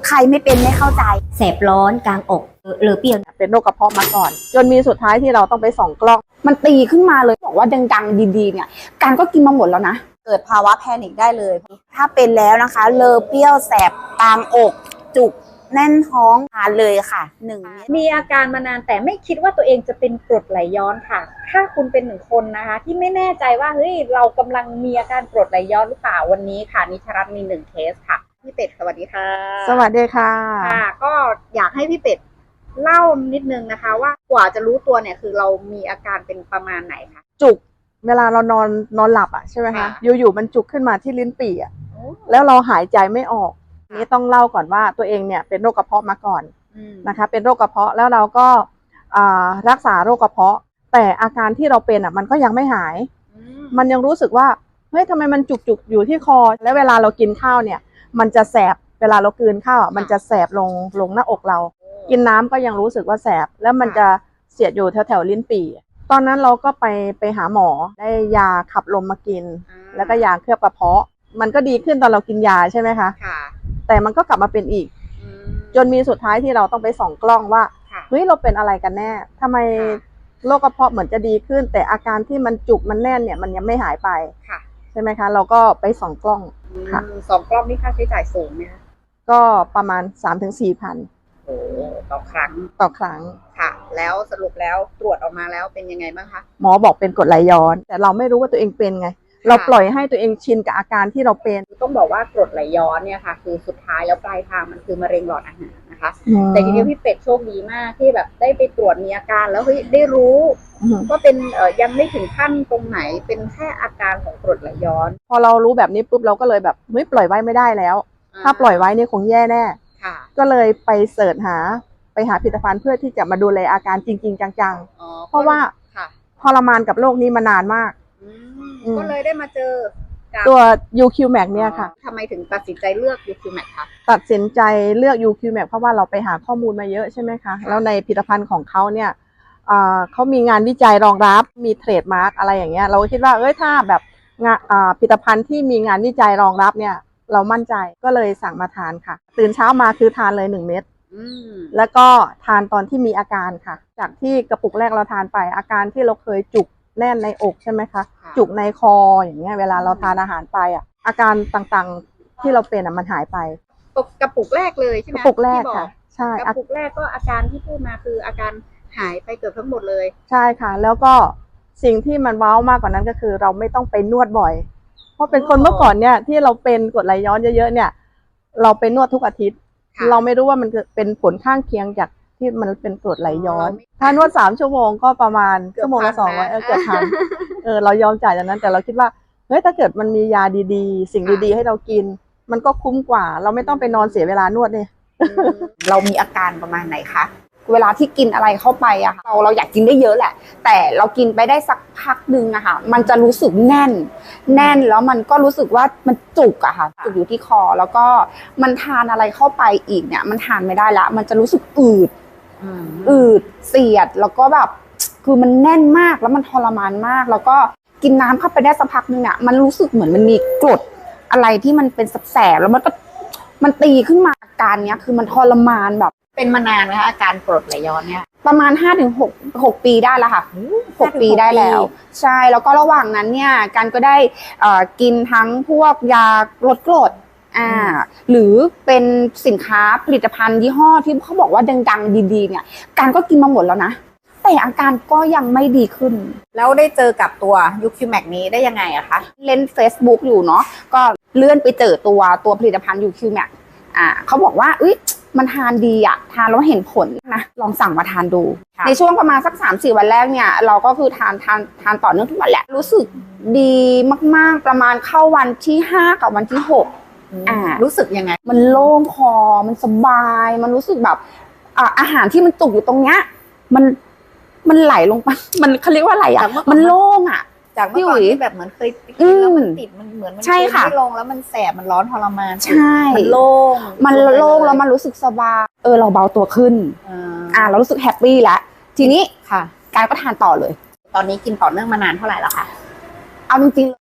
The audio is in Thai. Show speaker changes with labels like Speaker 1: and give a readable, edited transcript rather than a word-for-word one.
Speaker 1: ใครไม่เป็นไม่เข้าใจ
Speaker 2: แสบร้อนกลางอกหรือเปรี้ยว
Speaker 3: เป็นโรคกระเพาะมาก่อนจนมีสุดท้ายที่เราต้องไปส่องกล้อง
Speaker 1: มันตีขึ้นมาเลยบอกว่าดังๆดีๆเนี่ยการก็กินมาหมดแล้วนะเกิดภาวะแพนิคได้เลยถ้าเป็นแล้วนะคะเลอเปรี้ยวแสบกลางอกจุกแน่นท้องทานเลยค่ะ
Speaker 4: มีอาการมานานแต่ไม่คิดว่าตัวเองจะเป็นกรดไหลย้อนค่ะถ้าคุณเป็นหนึ่งคนนะคะที่ไม่แน่ใจว่าเฮ้ยเรากำลังมีอาการกรดไหลย้อนหรือเปล่าวันนี้ค่ะนิชรัตน์มี1เคสค่ะพี่เป็ดสวัสดีค่ะ
Speaker 3: สวัสดีค่ะ
Speaker 4: ก็อยากให้พี่เป็ดเล่านิดนึงนะคะว่ากว่าจะรู้ตัวเนี่ยคือเรามีอาการเป็นประมาณไหนคะ
Speaker 3: จุกเวลาเรานอนหลับอ่ะใช่ไหมคะอยู่ๆมันจุกขึ้นมาที่ลิ้นปี่อ่ะแล้วเราหายใจไม่ออกนี่ต้องเล่าก่อนว่าตัวเองเนี่ยเป็นโรคกระเพาะมาก่อนนะคะเป็นโรคกระเพาะแล้วเราก็รักษาโรคกระเพาะแต่อาการที่เราเป็นอ่ะมันก็ยังไม่หายมันยังรู้สึกว่าเฮ้ยทำไมมันจุกอยู่ที่คอแล้วเวลาเรากินข้าวเนี่ยมันจะแสบเวลาเรากลืนข้าวมันจะแสบลงหน้าอกเรากินน้ำก็ยังรู้สึกว่าแสบแล้วมันจะเสียดอยู่แถวลิ้นปี่ตอนนั้นเราก็ไปหาหมอได้ยาขับลมมากินแล้วก็ยาเคลือบกระเพาะมันก็ดีขึ้นตอนเรากินยาใช่ไหมคะแต่มันก็กลับมาเป็นอีกจนมีสุดท้ายที่เราต้องไปส่องกล้องว่าเฮ้ยเราเป็นอะไรกันแน่ทำไมโรคกระเพาะเหมือนจะดีขึ้นแต่อาการที่มันจุกมันแน่นเนี่ยมันยังไม่หายไปใช่ไหมคะเราก็ไปส่องกล้องค่ะ
Speaker 4: ส่องกล้องนี่ค่าใช้จ่ายสูงไหมคะ
Speaker 3: ก็ประมาณ 3-4 พัน
Speaker 4: ต่อครั้งค่ะแล้วสรุปแล้วตรวจออกมาแล้วเป็นยังไงบ้างคะ
Speaker 3: หมอบอกเป็นกรดไหลย้อนแต่เราไม่รู้ว่าตัวเองเป็นไงเราปล่อยให้ตัวเองชินกับอาการที่เราเป็น
Speaker 4: ต้องบอกว่ากรดไหลย้อนเนี่ยค่ะคือสุดท้ายแล้วปลายทางมันคือมะเร็งหลอดอาหารนะคะแต่ทีนี้พี่เป็ดโชคดีมากที่แบบได้ไปตรวจมีอาการแล้วเฮ้ยได้รู้ว่าเป็นยังไม่ถึงขั้นตรงไหนเป็นแค่อาการของกรดไหลย้อน
Speaker 3: พอเรารู้แบบนี้ปุ๊บเราก็เลยแบบเฮ้ยปล่อยไว้ไม่ได้แล้วถ้าปล่อยไว้นี่คงแย่แน่ก็เลยไปเสิร์ชหาผลิตภัณฑ์เพื่อที่จะมาดูแลอาการจริงๆจังๆเพราะว่าทรมานกับโรคนี้มานานมาก
Speaker 4: ก็เลยได้มาเจอ
Speaker 3: ตัว UQ-Max เนี่ยค่ะ
Speaker 4: ทำไมถึงตัดสินใจเลือก UQ-Max คะ
Speaker 3: ตัดสินใจเลือก UQ-Max เพราะว่าเราไปหาข้อมูลมาเยอะใช่ไหมคะแล้วในผลิตภัณฑ์ของเขาเนี่ยเขามีงานวิจัยรองรับมีเทรดมาร์กอะไรอย่างเงี้ยเราคิดว่าถ้าแบบผลิตภัณฑ์ที่มีงานวิจัยรองรับเนี่ยเรามั่นใจก็เลยสั่งมาทานค่ะตื่นเช้ามาคือทานเลย1 เม็ดแล้วก็ทานตอนที่มีอาการค่ะจากที่กระปุกแรกเราทานไปอาการที่เราเคยจุกแน่นในอกใช่ไหมคะจุกในคออย่างเงี้ยเวลาเราทานอาหารไปอาการต่างๆที่เราเป็นมันหายไป
Speaker 4: กระปุกแรกเลยใช่ไหม
Speaker 3: กระปุกแรกค่ะใช่
Speaker 4: กระปุกแรกก็อาการที่พูดมาคืออาการหายไปเกือบทั้งหมดเลย
Speaker 3: ใช่ค่ะแล้วก็สิ่งที่มันว้าวมากกว่านั้นก็คือเราไม่ต้องไปนวดบ่อยเพราะเป็นคนเมื่อก่อนเนี่ยที่เราเป็นกรดไหลย้อนเยอะๆเนี่ยเราไปนวดทุกอาทิตย์เราไม่รู้ว่ามันเป็นผลข้างเคียงจากที่มันเป็นกรดไหลย้อนถ้านวด3 ชั่วโมงก็ประมาณชั่วโมงละ200เกือบพันเรายอมจ่ายอย่างนั้นแต่เราคิดว่าเฮ้ยถ้าเกิดมันมียาดีๆสิ่งดีๆให้เรากินมันก็คุ้มกว่าเราไม่ต้องไปนอนเสียเวลานวดเนี่ย
Speaker 1: เรามีอาการประมาณไหนคะเวลาที่กินอะไรเข้าไปอะเราอยากกินได้เยอะแหละแต่เรากินไปได้สักพักนึงอะค่ะมันจะรู้สึกแน่นแล้วมันก็รู้สึกว่ามันจุกอะค่ะจุกอยู่ที่คอแล้วก็มันทานอะไรเข้าไปอีกเนี่ยมันทานไม่ได้ละมันจะรู้สึกอืดเสียดแล้วก็แบบคือมันแน่นมากแล้วมันทรมานมากแล้วก็กินน้ำเข้าไปได้สักพักนึงเนี่ยมันรู้สึกเหมือนมันมีกรดอะไรที่มันเป็นแสบๆแล้วมันตีขึ้นมาอาการเนี้ยคือมันทรมานแบบ
Speaker 4: เป็นมานานไหมคะอาการกรดไหลย้อนเนี่ย
Speaker 1: ประมาณ 5-6 ปีได้แล้วค่ะ6 ปีได้แล้วใช่แล้วก็ระหว่างนั้นเนี่ยการก็ได้กินทั้งพวกยาลดกรดหรือเป็นสินค้าผลิตภัณฑ์ยี่ห้อที่เขาบอกว่าดังๆดีๆเนี่ยการก็กินมาหมดแล้วนะแต่อาการก็ยังไม่ดีขึ้น
Speaker 4: แล้วได้เจอกับตัว UQ-Max นี้ได้ยังไงอะคะ
Speaker 1: เล่น Facebook อยู่เนาะก็เลื่อนไปเจอตัวผลิตภัณฑ์ UQ-Max เขาบอกว่ามันทานดีอะทานแล้วเห็นผลนะลองสั่งมาทานดูในช่วงประมาณสัก 3-4 วันแรกเนี่ยเราก็คือทานต่อเนื่องทุกวันแหละรู้สึกดีมากๆประมาณเข้าวันที่5กับวันที่6
Speaker 4: รู้สึกยังไง
Speaker 1: มันโล่งคอมันสบายมันรู้สึกแบบอาหารที่มันจุกอยู่ตรงเนี้ยมันไหลลงไปมันเขาเรียกว่าอะไรอะมันโล่งอะ
Speaker 4: จากเมื่อก่อนที่แบบเหมือนเคยกินแล้วมันติดมันเหมือนมันไม่ลงแล้วมันแสบมันร้อนทรมาน
Speaker 1: ใช่
Speaker 4: มันโล่ง
Speaker 1: แล้วมันรู้สึกสบายเราเบาตัวขึ้นเรารู้สึกแฮปปี้แล้วทีนี้
Speaker 4: ค่ะ
Speaker 1: การก็ทานต่อเลย
Speaker 4: ตอนนี้กินต่อเนื่องมานานเท่าไหร่แล้วคะ
Speaker 1: เอาจริงๆ